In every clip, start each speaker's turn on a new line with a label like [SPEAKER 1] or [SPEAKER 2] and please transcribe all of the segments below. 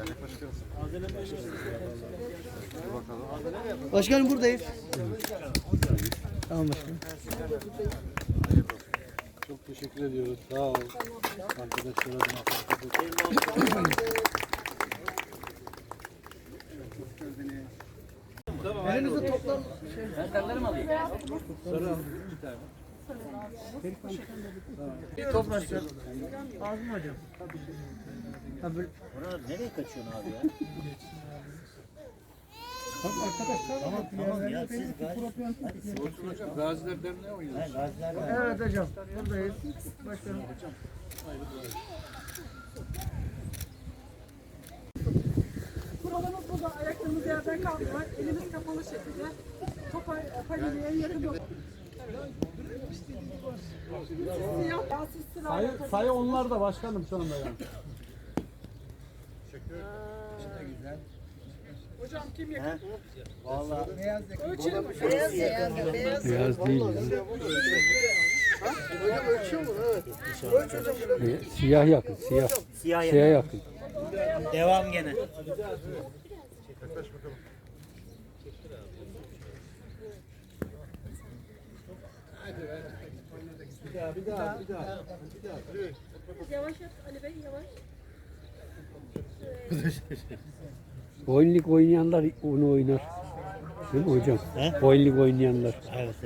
[SPEAKER 1] Başkanım buradayız. Tamam başkanım.
[SPEAKER 2] Çok teşekkür ediyoruz. Sağ ol. Arkadaşlara
[SPEAKER 1] Elimizde toplam
[SPEAKER 3] Anahtarları mı alayım?
[SPEAKER 1] bir toplaşacak. Ağzım hocam.
[SPEAKER 3] Orada nereye kaçıyorsun abi ya? Tamam ya siz
[SPEAKER 2] Gaziler Derneği oynuyoruz.
[SPEAKER 1] Evet hocam. Buradayız. Başkanım.
[SPEAKER 4] Kuralımız burada. Ayaklarımız yerden kalkıyor. Elimiz kapalı şekilde. Topa paliliğe yakın yok.
[SPEAKER 2] Sayı onlar da başkanım şu anda yani.
[SPEAKER 4] Hocam kim yakın?
[SPEAKER 3] Vallahi
[SPEAKER 4] Ölçelim.
[SPEAKER 5] Beyaz değil.
[SPEAKER 1] Hocam ölçüyor mu? Evet. Ölç hocam.
[SPEAKER 5] Siyah yakın. Siyah.
[SPEAKER 3] siyah
[SPEAKER 5] Siyah yakın.
[SPEAKER 3] devam gene.
[SPEAKER 2] Bir daha.
[SPEAKER 4] Yavaş yap Ali Bey yavaş.
[SPEAKER 5] Boynluk oynayanlar onu oynar. Değil mi hocam?
[SPEAKER 3] He?
[SPEAKER 5] Boynluk oynayanlar.
[SPEAKER 3] Evet.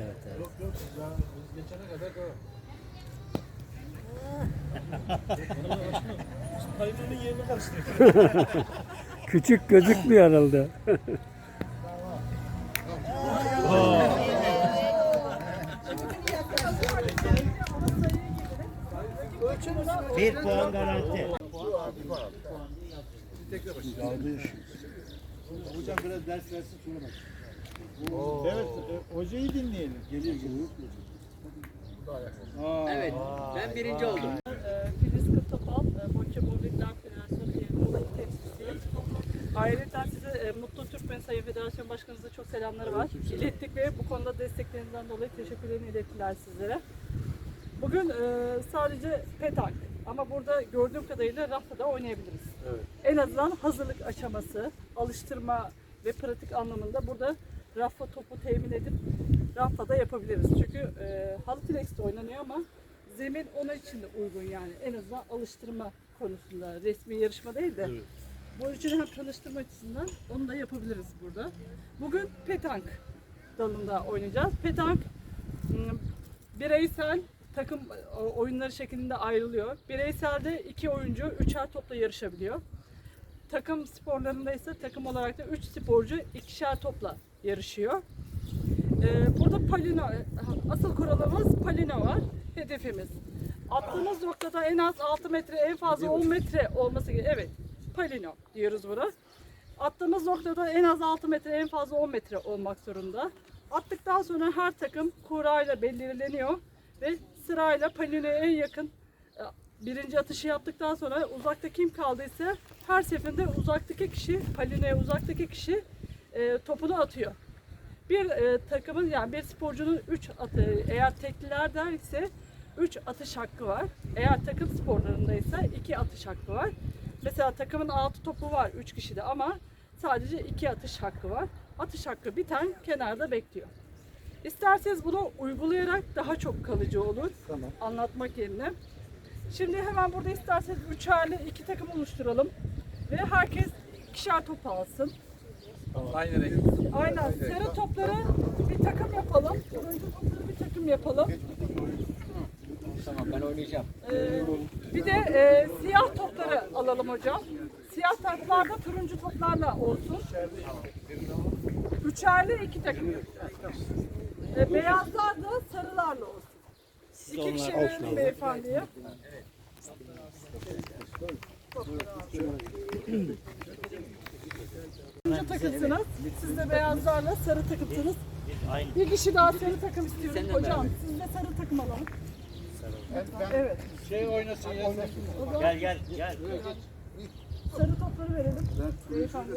[SPEAKER 5] Küçük gözükmüyor herhalde.
[SPEAKER 3] Bir puan garanti.
[SPEAKER 2] Hocam biraz ders versin sonra bak. Evet, hocayı dinleyelim. Geliyor.
[SPEAKER 1] Evet. Ben birinci oldum.
[SPEAKER 4] Filiz Kırtopal, Boçça Bowlingler Federasyonu Muğla temsilcisiyim. Ayrıca size Mutlu Türkmen Sayın Federasyon Başkanımıza çok selamları var. İlettik ve bu konuda desteklerinden dolayı teşekkürlerini ilettiler sizlere. Bugün sadece petank ama burada gördüğüm kadarıyla rafta da oynayabiliriz.
[SPEAKER 2] Evet.
[SPEAKER 4] En azından hazırlık aşaması, alıştırma ve pratik anlamında burada rafa topu temin edip rafta da yapabiliriz. Çünkü halı flex'te oynanıyor ama zemin ona için de uygun yani. En azından alıştırma konusunda, resmi yarışma değil de.
[SPEAKER 2] Evet.
[SPEAKER 4] Bu için hem tanıştırma açısından onu da yapabiliriz burada. Bugün petank dalında oynayacağız. Petank bireysel takım oyunları şeklinde ayrılıyor. Bireyselde 2 oyuncu 3'er topla yarışabiliyor. Takım sporlarında ise takım olarak da 3 sporcu 2'şer topla yarışıyor. Burada palino, asıl kuralımız palino var. Hedefimiz. Attığımız noktada en az 6 metre, en fazla 10 metre olması gerekiyor. Evet, palino diyoruz buna. Attığımız noktada en az 6 metre, en fazla 10 metre olmak zorunda. Attıktan sonra her takım kurayla belirleniyor ve sırayla palinoya en yakın birinci atışı yaptıktan sonra uzakta kim kaldıysa her seferinde uzaktaki kişi, palinoya uzaktaki kişi topunu atıyor. Bir takımın yani bir sporcunun 3 atı, eğer tekliler ise 3 atış hakkı var. Eğer takım sporlarında ise 2 atış hakkı var. Mesela takımın 6 topu var 3 kişide ama sadece 2 atış hakkı var. Atış hakkı biten kenarda bekliyor. İsterseniz bunu uygulayarak daha çok kalıcı olur.
[SPEAKER 2] Tamam.
[SPEAKER 4] Anlatmak yerine. Şimdi hemen burada isterseniz 3'erli 2 takım oluşturalım. Ve herkes 2'şer top alsın.
[SPEAKER 2] Aynı renk.
[SPEAKER 4] Aynen. Sarı topları bir takım yapalım. Turuncu topları bir takım yapalım.
[SPEAKER 1] Tamam ben oynayacağım.
[SPEAKER 4] Bir de siyah topları alalım hocam. Siyah toplar da turuncu toplarla olsun. 3'erli 2 takım. Beyazlar da sarılarla olsun. 2 kişi verelim beyefendiye. Turuncu takımsınız. Siz de beyazlarla sarı takımsınız.
[SPEAKER 3] Aynı.
[SPEAKER 4] Bir kişi daha sarı takım istiyorum hocam. Siz de sarı takım alın. Evet.
[SPEAKER 2] Şey oynasın ya.
[SPEAKER 4] O zaman
[SPEAKER 3] Gel.
[SPEAKER 4] sarı topları verelim. Beyefendi.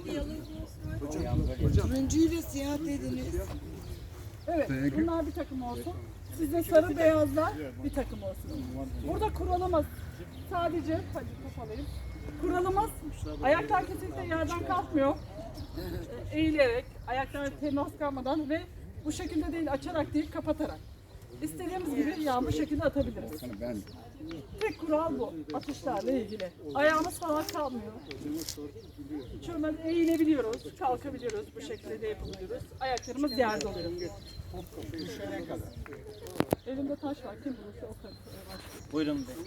[SPEAKER 6] Turuncuyu ve siyah dediniz.
[SPEAKER 4] Evet. Bunlar bir takım olsun. Siz de sarı beyazlar bir takım olsun. Burada kuralımız sadece hadi top alayım. Kuralımız ayaklar kesinlikle yerden kalkmıyor. Eğilerek, ayaklar temas kalmadan ve bu şekilde değil açarak değil kapatarak. İstediğimiz gibi ya bu şekilde atabiliriz. Tek kural bu atışlarla ilgili. Ayağımız falan kalmıyor. Şöyle eğilebiliyoruz, kalkabiliyoruz, bu şekilde de yapabiliyoruz. Ayaklarımız yerde oluyor. Elimde taş var, kim bulursa o kadar.
[SPEAKER 3] Buyurun be.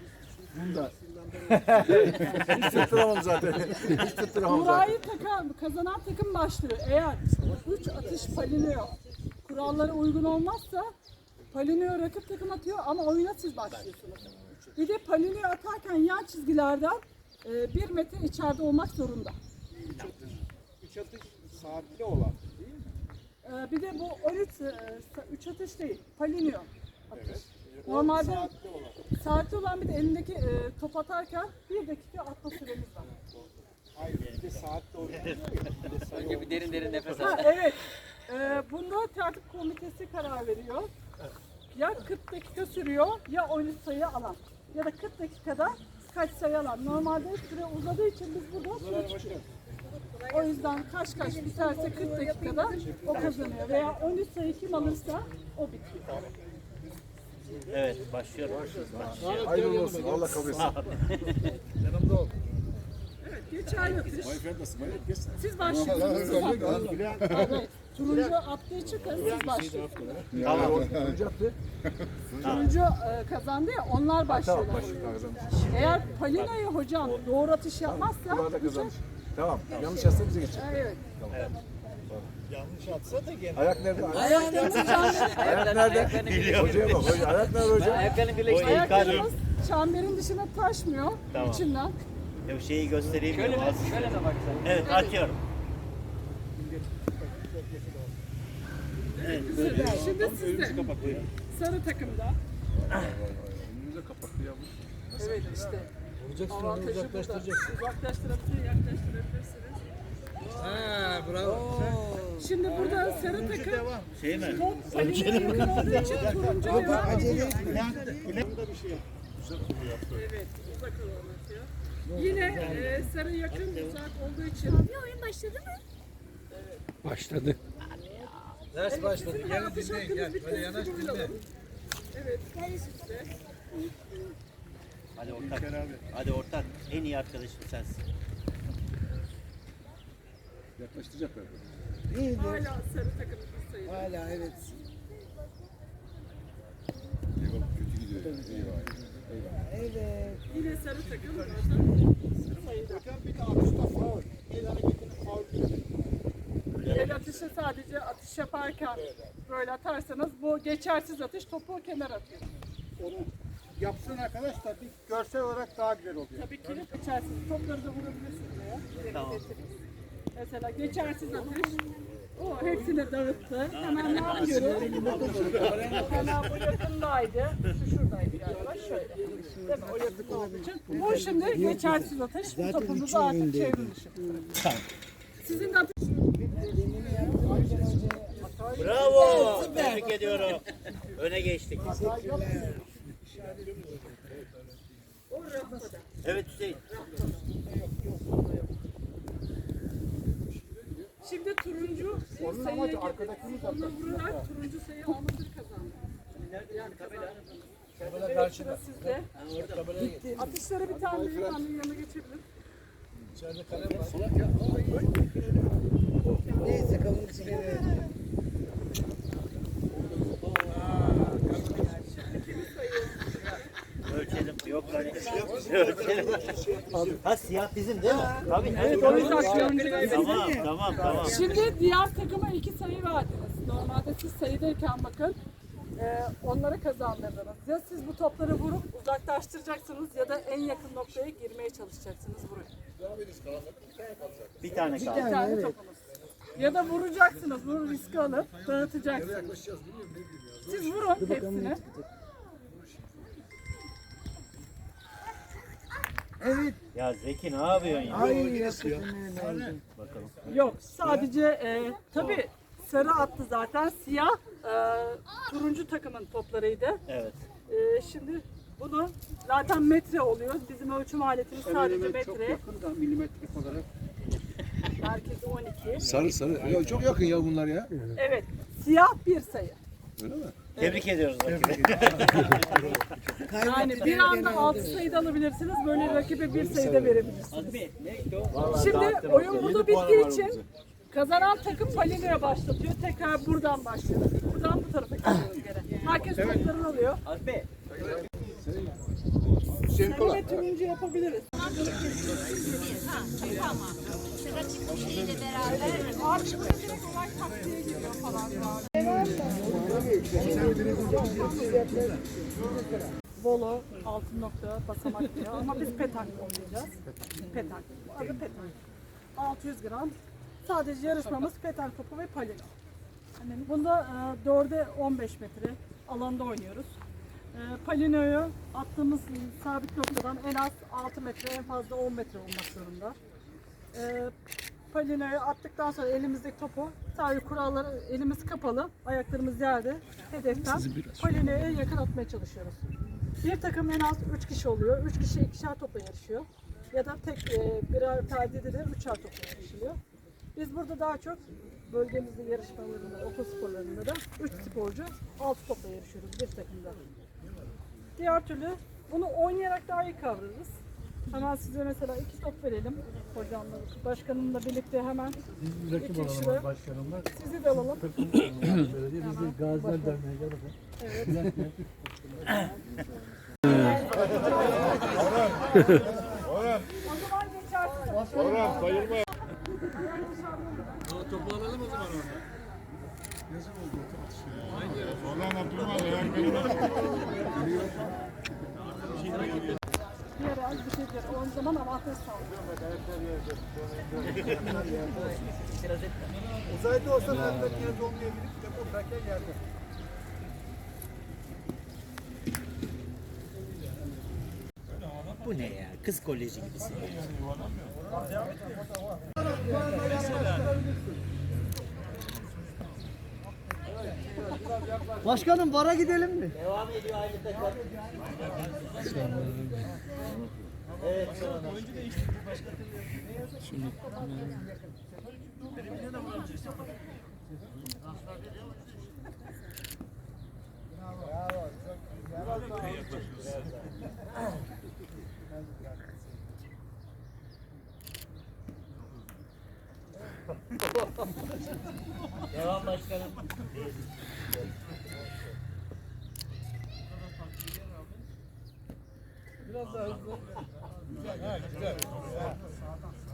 [SPEAKER 2] Hiç tutturamam zaten. Hiç tutturamam zaten.
[SPEAKER 4] Kurayı kazanan takım başlıyor. Eğer 3 atış paliniyor, kurallara uygun olmazsa paliniyor rakip takım atıyor ama oyuna siz başlıyorsunuz. Bir de paliniyor atarken yan çizgilerden 1 metre içeride olmak zorunda.
[SPEAKER 2] 3 atış saatli olan.
[SPEAKER 4] Bir de bu 3 atış değil, paliniyor atış. Normalde saatli olan bir de elindeki top atarken 1 dakika atma süremiz var.
[SPEAKER 2] Hayır, bir de saatli olan.
[SPEAKER 1] Önce bir derin derin nefes al.
[SPEAKER 4] Ha, evet. Bunda tertip komitesi karar veriyor. Ya 40 dakika sürüyor ya 13 sayı alan. Ya da 40 dakikada kaç sayı alan. Normalde süre uzadığı için biz burada süre tutuyoruz. O yüzden kaç biterse 40 dakikada o kazanıyor. Veya 13 sayı kim alırsa o bitiyor.
[SPEAKER 3] Evet başlıyorum.
[SPEAKER 2] Hayırlı olsun. Allah kabul etsin. Yanımda ol.
[SPEAKER 4] Evet, geçerli atış.
[SPEAKER 2] Efendisi, geç.
[SPEAKER 4] Siz başlıyorsunuz. Evet. Turuncu attığı için siz başlıyorsunuz.
[SPEAKER 3] Tamam.
[SPEAKER 4] Turuncu kazandı ya onlar başlıyorlar. Eğer Palina'yı hocam doğru atış yapmazsa
[SPEAKER 2] Burada kazanmış. Tamam. Yanlış yazsa bize geçecek.
[SPEAKER 4] evet.
[SPEAKER 2] Yanlış atsa da gene. Ayak nerede?
[SPEAKER 4] Ayaklarımız
[SPEAKER 2] Ayak nerede? Hocaya bak. Ayak nerede hocam?
[SPEAKER 1] Ayaklarını birleştir.
[SPEAKER 4] ayaklarımız çemberin dışına taşmıyor içinden.
[SPEAKER 3] Ya şeyi göstereyim.
[SPEAKER 1] Şöyle
[SPEAKER 3] mi?
[SPEAKER 1] mi? Şöyle mi bak sen?
[SPEAKER 3] Evet atıyorum.
[SPEAKER 4] Şimdi sizde sarı takımda. Evet işte. Avantajı uzaklaştıracaksın. Uzaklaştırabilirsiniz, yaklaştırabilirsiniz. Şimdi burada sarı takım
[SPEAKER 3] Şey mi?
[SPEAKER 4] top Palina'ya yakın olduğu için turuncu devam ediyor. Evet, uzak olan atıyor. Yine sarı yakın uzak olduğu için.
[SPEAKER 7] Oyun başladı mı?
[SPEAKER 5] Başladı.
[SPEAKER 4] Ders başladı. Gelin dinleyin gel. Böyle yanaş dinle. Evet. İşte.
[SPEAKER 3] Hadi ortak. Hadi ortak. En iyi arkadaşım sensin.
[SPEAKER 2] Yaklaştıracaklar.
[SPEAKER 4] Hala sarı takımın sayıda.
[SPEAKER 6] Hala evet.
[SPEAKER 2] Kötü gidiyor.
[SPEAKER 6] Evet.
[SPEAKER 4] Yine sarı takım zaten sayıda.
[SPEAKER 2] Hocam bir de atışta faul. El hareketini faul diyor.
[SPEAKER 4] El atışı sadece atış yaparken böyle atarsanız bu geçersiz atış topu kenara atıyor.
[SPEAKER 2] Onu yapsın arkadaşlar. Bir görsel olarak daha güzel oluyor.
[SPEAKER 4] Tabii ki geçersiz topları da vurabilirsiniz ya.
[SPEAKER 3] Tamam.
[SPEAKER 4] Mesela geçersiz atış. O hepsini dağıttı. Hemen ne yapıyoruz? Hemen bu yakındaydı. Şu şuradaydı galiba. Şöyle. Değil mi? O yakında olduğu için. Bu şimdi geçersiz atış. Bu topumuzu artık çevrim dışı. Sizin de atış.
[SPEAKER 3] Bravo. Tebrik ediyorum. Öne geçtik. Evet Hüseyin.
[SPEAKER 4] Şimdi turuncu sayıya onunla vurarak turuncu sayı almasını kazandı. Yani kazandı. Evet, sıra sizde. Atışlara bir tane beyefendinin yanına geçebilir.
[SPEAKER 6] Neyse kabul için.
[SPEAKER 3] Ölçelim. Yok hani. Ölçelim. Ha siyah bizim değil mi? Tabii.
[SPEAKER 4] Evet, o yüzden turuncu.
[SPEAKER 3] Tamam.
[SPEAKER 4] Şimdi diğer takıma 2 sayı verdiniz. Normalde siz sayıdayken bakın onlara kazandırdınız. Ya siz bu topları vurup uzaklaştıracaksınız ya da en yakın noktaya girmeye çalışacaksınız buraya.
[SPEAKER 3] Bir tane kaldı.
[SPEAKER 4] Bir tane topunuz. Ya da vuracaksınız. Bu riski alıp dağıtacaksınız. Siz vurun hepsini.
[SPEAKER 6] Evet.
[SPEAKER 3] Ya Zeki ne yapıyorsun ya?
[SPEAKER 6] Ay yakın.
[SPEAKER 3] Bakalım.
[SPEAKER 4] Yok sadece tabii sarı attı zaten. Siyah turuncu takımın toplarıydı.
[SPEAKER 3] Evet.
[SPEAKER 4] Şimdi Bunu zaten metre oluyor. Bizim ölçüm aletimiz sadece metre.
[SPEAKER 2] milimetrik olarak.
[SPEAKER 4] Merkezi 12.
[SPEAKER 7] Sarı. Ya çok yakın ya bunlar ya.
[SPEAKER 4] Evet. Siyah bir sayı.
[SPEAKER 7] Öyle mi?
[SPEAKER 3] Tebrik ediyoruz rakibi.
[SPEAKER 4] Yani bir anda 6 sayıda alabilirsiniz. Böyle rakibe bir sayıda verebilirsiniz. Şimdi oyun burada bittiği için kazanan takım palinoya başlatıyor. Tekrar buradan başlıyoruz. Buradan bu tarafa gidiyoruz gene. Herkes toplarını alıyor. Sarı ve turuncu yapabiliriz. Artık burada direkt olay taktiğe giriyor falan. Bolo, altın nokta, basamak diyor ama biz petank oynayacağız. Petank. Adı petank. 600 gram. Sadece yarışmamız petank topu ve palino. Bunda 4'e 15 metre alanda oynuyoruz. Palinoyu attığımız sabit noktadan en az 6 metre, en fazla 10 metre olmak zorunda. Palinoyu attıktan sonra elimizdeki topu sadece kuralları elimiz kapalı, ayaklarımız yerde hedeften palinoya yakın atmaya çalışıyoruz. Bir takım en az 3 kişi oluyor. 3 kişi ikişer topla yarışıyor. Ya da tek birer perdede de 3'er topla yarışılıyor. Biz burada daha çok bölgemizde yarışmalarında, okul sporlarında da 3 sporcu 6 topla yarışıyoruz bir takımda. Diğer türlü bunu oynayarak daha iyi kavrarız. Hemen size mesela 2 top verelim hocamla, başkanımla birlikte hemen.
[SPEAKER 2] Rakip olalım başkanımla.
[SPEAKER 4] Sizi de alalım.
[SPEAKER 2] Belediye bizi Gaziler Derneği gel bakalım.
[SPEAKER 4] Evet. O zaman geçersiniz.
[SPEAKER 2] Orhan bayılma. Orhan Abdülmaz eğer benim
[SPEAKER 4] Diğer az bir şey diyor. O zaman avantaj sağlıyor.
[SPEAKER 2] Uzayda olsa ben yerde olmayabilir. Depoldayken yerde.
[SPEAKER 3] Bu ne ya? Kız koleji gibisin.
[SPEAKER 6] Başkanım bara gidelim mi?
[SPEAKER 3] Devam ediyor aynı takım. Evet. Devam başkanım.
[SPEAKER 2] Biraz daha hızlı. Güzel.